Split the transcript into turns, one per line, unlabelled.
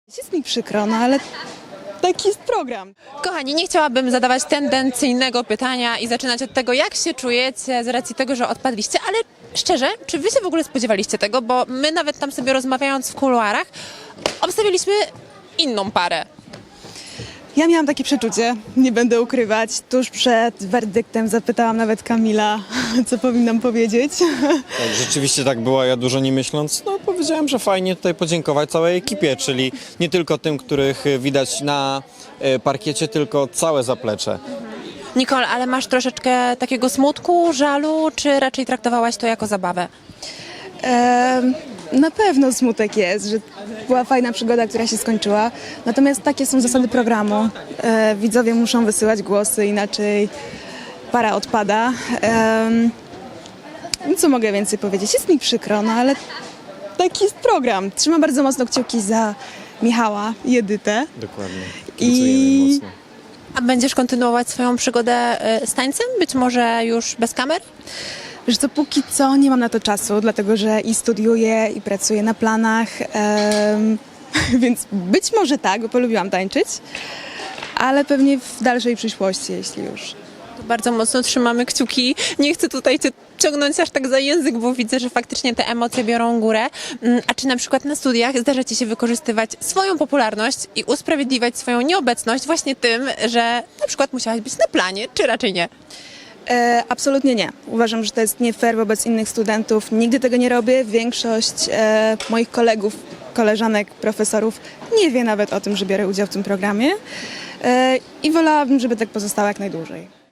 Jest mi przykro, no ale taki jest program.
Kochani, nie chciałabym zadawać tendencyjnego pytania i zaczynać od tego, jak się czujecie z racji tego, że odpadliście, ale szczerze, czy wy się w ogóle spodziewaliście tego? Bo my nawet tam sobie rozmawiając w kuluarach, obstawiliśmy inną parę.
Ja miałam takie przeczucie, nie będę ukrywać. Tuż przed werdyktem zapytałam nawet Kamila, co powinnam powiedzieć.
Tak, rzeczywiście tak było, ja dużo nie myśląc, powiedziałem, że fajnie tutaj podziękować całej ekipie, czyli nie tylko tym, których widać na parkiecie, tylko całe zaplecze.
Nicole, ale masz troszeczkę takiego smutku, żalu, czy raczej traktowałaś to jako zabawę?
Na pewno smutek jest, że była fajna przygoda, która się skończyła. Natomiast takie są zasady programu. Widzowie muszą wysyłać głosy, inaczej para odpada. Co mogę więcej powiedzieć? Jest mi przykro, no ale taki jest program. Trzymam bardzo mocno kciuki za Michała i Edytę.
Dokładnie.
I-
Mocno.
A będziesz kontynuować swoją przygodę z tańcem? Być może już bez kamer?
Wiesz co, póki co nie mam na to czasu, dlatego że i studiuję, i pracuję na planach, więc być może tak, bo polubiłam tańczyć, ale pewnie w dalszej przyszłości, jeśli już.
To bardzo mocno trzymamy kciuki. Nie chcę tutaj cię ciągnąć aż tak za język, bo widzę, że faktycznie te emocje biorą górę. A czy na przykład na studiach zdarza ci się wykorzystywać swoją popularność i usprawiedliwiać swoją nieobecność właśnie tym, że na przykład musiałaś być na planie, czy raczej nie?
Absolutnie nie. Uważam, że to jest nie fair wobec innych studentów. Nigdy tego nie robię. Większość moich kolegów, koleżanek, profesorów nie wie nawet o tym, że biorę udział w tym programie i wolałabym, żeby tak pozostało jak najdłużej.